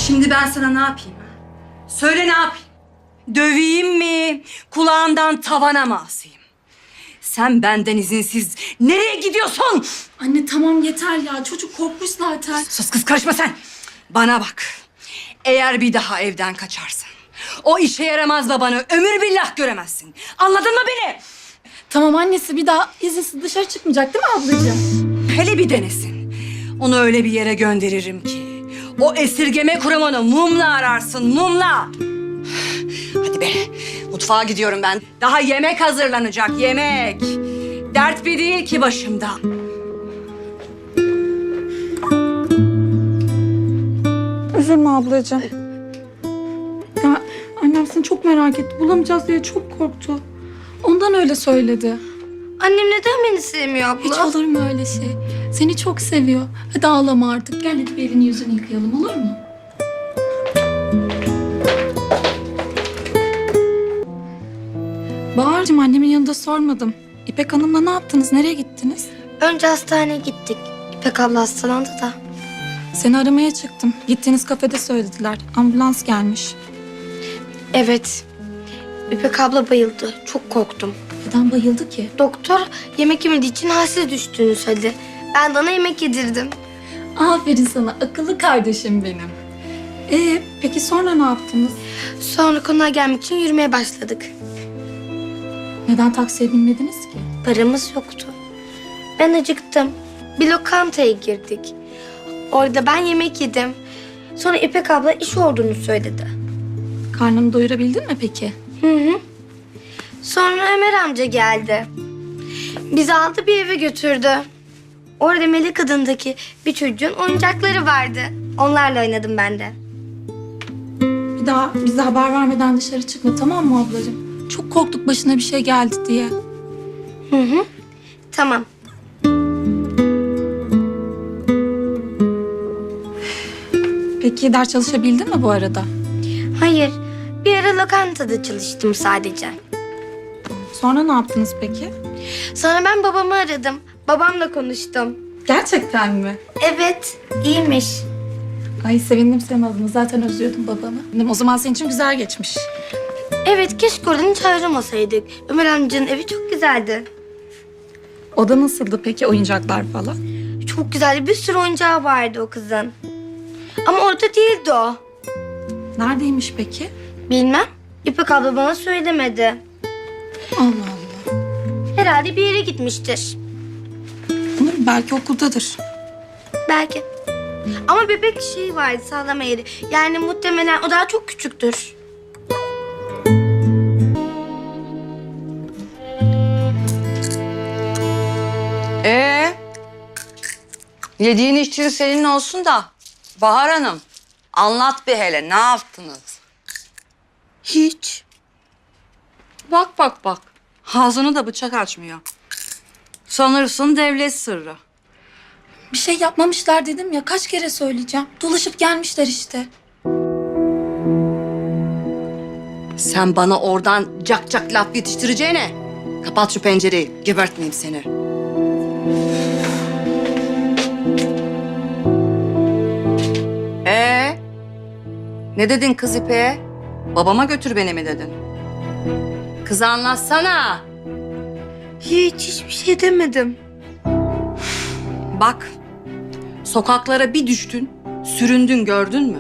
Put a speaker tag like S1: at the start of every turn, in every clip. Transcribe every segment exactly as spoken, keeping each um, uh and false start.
S1: Şimdi ben sana ne yapayım? Ha? Söyle ne yapayım? Döveyim mi? Kulağından tavana mı asayım? Sen benden izinsiz nereye gidiyorsun?
S2: Anne tamam yeter ya. Çocuk korkmuş zaten.
S1: Sus kız, karışma sen. Bana bak. Eğer bir daha evden kaçarsan o işe yaramaz babanı ömür billah göremezsin. Anladın mı beni?
S2: Tamam annesi, bir daha izinsiz dışarı çıkmayacak değil mi ablacığım?
S1: Hele bir denesin. Onu öyle bir yere gönderirim ki o esirgeme kurumunu mumla ararsın, mumla. Hadi be, mutfağa gidiyorum ben. Daha yemek hazırlanacak, yemek. Dert bir değil ki başımda.
S2: Üzülme ablacığım. Ya annem seni çok merak etti. Bulamayacağız diye çok korktu. Ondan öyle söyledi.
S3: Annem neden beni sevmiyor abla?
S2: Hiç olur mu öyle şey? Seni çok seviyor. Hadi ağlama artık. Gel hadi bir elini yüzünü yıkayalım, olur mu? Bahar'cığım, annemin yanında sormadım. İpek Hanım'la ne yaptınız? Nereye gittiniz?
S3: Önce hastaneye gittik. İpek abla hastalandı da.
S2: Seni aramaya çıktım. Gittiğiniz kafede söylediler. Ambulans gelmiş.
S3: Evet. İpek abla bayıldı. Çok korktum.
S2: Neden bayıldı ki?
S3: Doktor yemek yemediği için halsiz düştüğünü söyledi. Ben de ona yemek yedirdim.
S2: Aferin sana, akıllı kardeşim benim. Ee, peki sonra ne yaptınız?
S3: Sonra konağa gelmek için yürümeye başladık.
S2: Neden taksiye binmediniz ki?
S3: Paramız yoktu. Ben acıktım. Bir lokantaya girdik. Orada ben yemek yedim. Sonra İpek abla iş olduğunu söyledi.
S2: Karnını doyurabildin mi peki?
S3: Hı hı. Sonra Ömer amca geldi. Bizi aldı bir eve götürdü. Orada Melek adındaki bir çocuğun oyuncakları vardı. Onlarla oynadım ben de.
S2: Bir daha bize haber vermeden dışarı çıkma, tamam mı ablacığım? Çok korktuk başına bir şey geldi diye.
S3: Hı hı. Tamam.
S2: Peki ders çalışabildin mi bu arada?
S3: Hayır. Bir ara lokantada çalıştım sadece.
S2: Sonra ne yaptınız peki?
S3: Sonra ben babamı aradım. Babamla konuştum.
S2: Gerçekten mi?
S3: Evet, iyiymiş.
S2: Ay sevindim senin adına. Zaten özlüyordum babanı. Dedim, o zaman senin için güzel geçmiş.
S3: Evet, keşke oradan hiç ayrılmasaydık. Ömer amcanın evi çok güzeldi.
S2: O da nasıldı peki, oyuncaklar falan?
S3: Çok güzeldi. Bir sürü oyuncağı vardı o kızın. Ama orada değildi o.
S2: Neredeymiş peki?
S3: Bilmem. İpek abla bana söylemedi.
S2: Allah Allah.
S3: Herhalde bir yere gitmiştir.
S2: Olur mu? Belki okuldadır.
S3: Belki. Ama bebek şeyi vardı, sağlama yeri. Yani muhtemelen o daha çok küçüktür.
S1: Ee, yediğin içtiğin senin olsun da Bahar Hanım, anlat bir hele, ne yaptınız?
S3: Hiç.
S1: Bak bak bak, ağzını da bıçak açmıyor. Sanırsın devlet sırrı.
S2: Bir şey yapmamışlar dedim ya, kaç kere söyleyeceğim. Dolaşıp gelmişler işte.
S1: Sen bana oradan cak cak laf yetiştireceğine kapat şu pencereyi, gebertmeyeyim seni. Ee, ne dedin kız İpek'e? Babama götür beni mi dedin? Kız anlatsana.
S3: Hiç, hiçbir şey demedim.
S1: Bak, sokaklara bir düştün, süründün, gördün mü?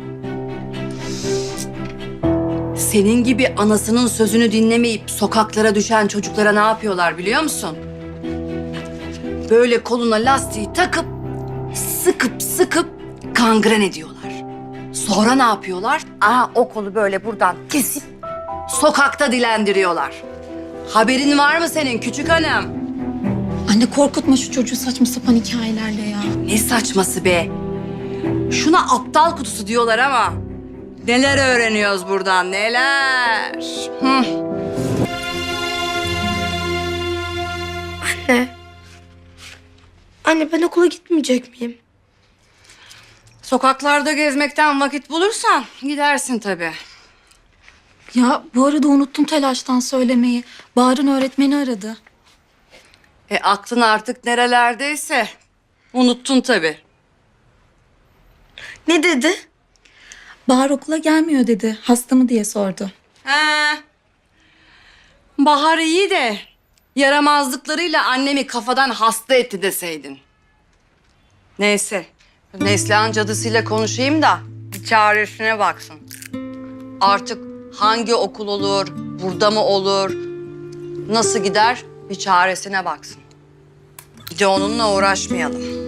S1: Senin gibi anasının sözünü dinlemeyip sokaklara düşen çocuklara ne yapıyorlar biliyor musun? Böyle koluna lastiği takıp, sıkıp sıkıp kangren ediyorlar. Sonra ne yapıyorlar? Aa, o kolu böyle buradan kesip sokakta dilendiriyorlar. Haberin var mı senin küçük hanım?
S2: Anne korkutma şu çocuğu saçma sapan hikayelerle ya.
S1: Ne saçması be? Şuna aptal kutusu diyorlar ama neler öğreniyoruz buradan, neler? Hı.
S3: Anne. Anne ben okula gitmeyecek miyim?
S1: Sokaklarda gezmekten vakit bulursan gidersin tabii.
S2: Ya bu arada unuttum telaştan söylemeyi. Bahar'ın öğretmeni aradı.
S1: E aklın artık nerelerdeyse unuttun tabii.
S3: Ne dedi?
S2: Bahar okula gelmiyor dedi. Hasta mı diye sordu.
S1: He. Bahar iyi de yaramazlıklarıyla annemi kafadan hasta etti deseydin. Neyse. Neslihan cadısıyla konuşayım da bir çaresine baksın. Artık hangi okul olur, burada mı olur, nasıl gider bir çaresine baksın. Bir de onunla uğraşmayalım.